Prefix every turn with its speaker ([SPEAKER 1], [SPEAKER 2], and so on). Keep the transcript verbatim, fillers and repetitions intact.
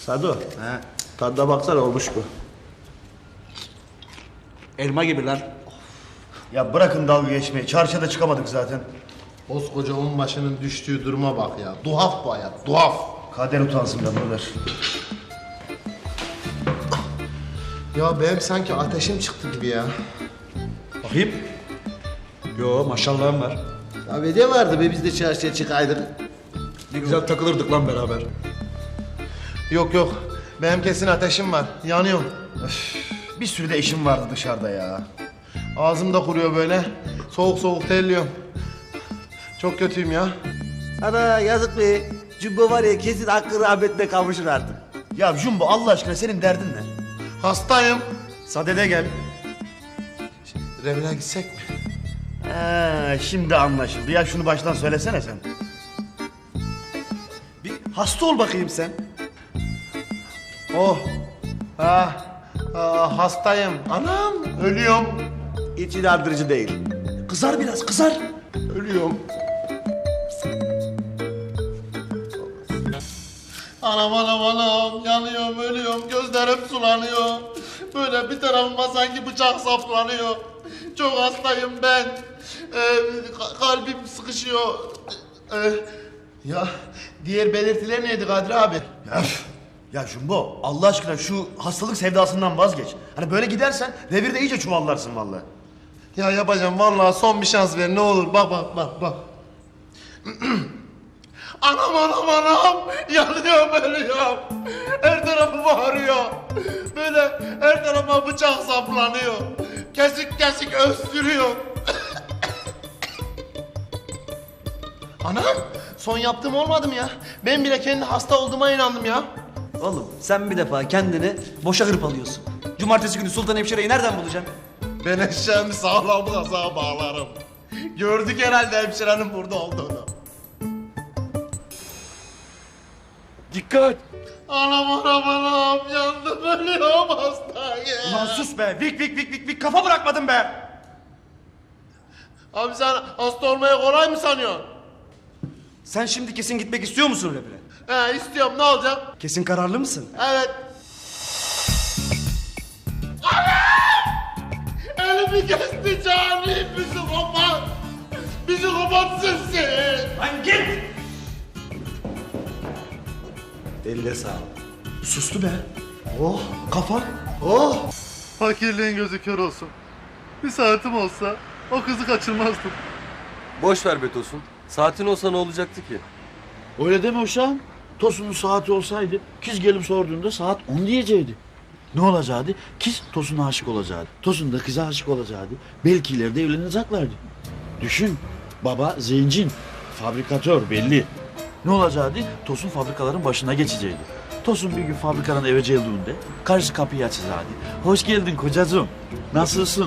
[SPEAKER 1] Sado,
[SPEAKER 2] He.
[SPEAKER 1] tadına baksana olmuş bu.
[SPEAKER 2] Elma gibi lan.
[SPEAKER 3] Ya bırakın dalga geçmeyi. Çarşıda çıkamadık zaten.
[SPEAKER 4] Koskoca onbaşının düştüğü duruma bak ya. Duhaf bu hayat, duhaf.
[SPEAKER 3] Kader utansın be buralar.
[SPEAKER 4] Ya benim sanki ateşim çıktı gibi ya.
[SPEAKER 2] Bakayım. Yo maşallahım var.
[SPEAKER 4] Ya be ne vardı be biz de çarşıya çıkaydık.
[SPEAKER 2] Ne güzel takılırdık lan beraber.
[SPEAKER 4] Yok yok. Benim kesin ateşim var. Yanıyorum.
[SPEAKER 3] Bir sürü de işim vardı dışarıda ya.
[SPEAKER 4] Ağzım da kuruyor böyle. Soğuk soğuk terliyorum. Çok kötüyüm ya.
[SPEAKER 1] Ana yazık be. Cumbo var ya kesin hakkı rahmetine kavuşur artık.
[SPEAKER 3] Ya Jumbo Allah aşkına senin derdin ne?
[SPEAKER 4] Hastayım.
[SPEAKER 3] Sadede gel.
[SPEAKER 4] Revine gitsek mi?
[SPEAKER 3] Ee, şimdi anlaşıldı. Ya şunu baştan söylesene sen. Bir hasta ol bakayım sen.
[SPEAKER 4] Oh. Ha. Ah, hastayım. Anam. Ölüyorum.
[SPEAKER 1] Hiç inandırıcı değil.
[SPEAKER 2] Kızar biraz kızar.
[SPEAKER 4] Ölüyorum. Anam anam anam yanıyorum ölüyorum gözlerim sulanıyor. Böyle bir tarafıma sanki bıçak saplanıyor. Çok hastayım ben. Ee, ka- kalbim sıkışıyor. Ee, ya diğer belirtiler neydi Kadri abi?
[SPEAKER 3] Ya, üf! Ya Jumbo Allah aşkına şu hastalık sevdasından vazgeç. Hani böyle gidersen revirde iyice çuvallarsın vallahi.
[SPEAKER 4] Ya yapacağım vallahi son bir şans ver ne olur bak bak bak bak. Anam anam anam yanıyorum ölüyorum. Her tarafım ağrıyor. Böyle her tarafa bıçak saplanıyor. Kesik kesik öksürüyor. Anam son yaptığım olmadı mı ya? Ben bile kendi hasta olduğuma inandım ya.
[SPEAKER 2] Oğlum sen bir defa kendini boşa hırpalıyorsun. Cumartesi günü Sultan Hemşire'yi nereden bulacaksın?
[SPEAKER 4] Ben eşeğimi sağlam kazağa bağlarım. Gördük herhalde hemşirenin burada olduğunu.
[SPEAKER 2] Dikkat!
[SPEAKER 4] Anam anam anam yandım ölüyorum hastayım.
[SPEAKER 3] Ulan sus be. Vik vik vik vik vik kafa bırakmadın be.
[SPEAKER 4] Abi sen hasta olmayı kolay mı sanıyorsun?
[SPEAKER 2] Sen şimdi kesin gitmek istiyor musun revire?
[SPEAKER 4] He istiyorum ne olacak?
[SPEAKER 2] Kesin kararlı mısın?
[SPEAKER 4] Evet. Anam! Elimi kesti cani psikopat. Psikopatsın sen.
[SPEAKER 2] Lan git! Eline sağlık. Sustu be. Oh kafa.
[SPEAKER 4] Oh.
[SPEAKER 5] Fakirliğin gözü kör olsun. Bir saatim olsa o kızı kaçırmazdım.
[SPEAKER 6] Boş ver be Tosun. Saatin olsa ne olacaktı ki?
[SPEAKER 7] Öyle deme uşağım. Tosun'un saati olsaydı kız gelip sorduğunda saat on diyecekti. Ne olacaktı? Kız Tosun'a aşık olacaktı. Tosun da kıza aşık olacaktı. Belki ileride evleneceklerdi. Düşün. Baba zengin. Fabrikatör belli. Ne olacaktı? Tosun fabrikaların başına geçecekti. Tosun bir gün fabrikadan eve geldiğinde karşı kapıyı açacaktı. Hoş geldin kocacığım. Nasılsın?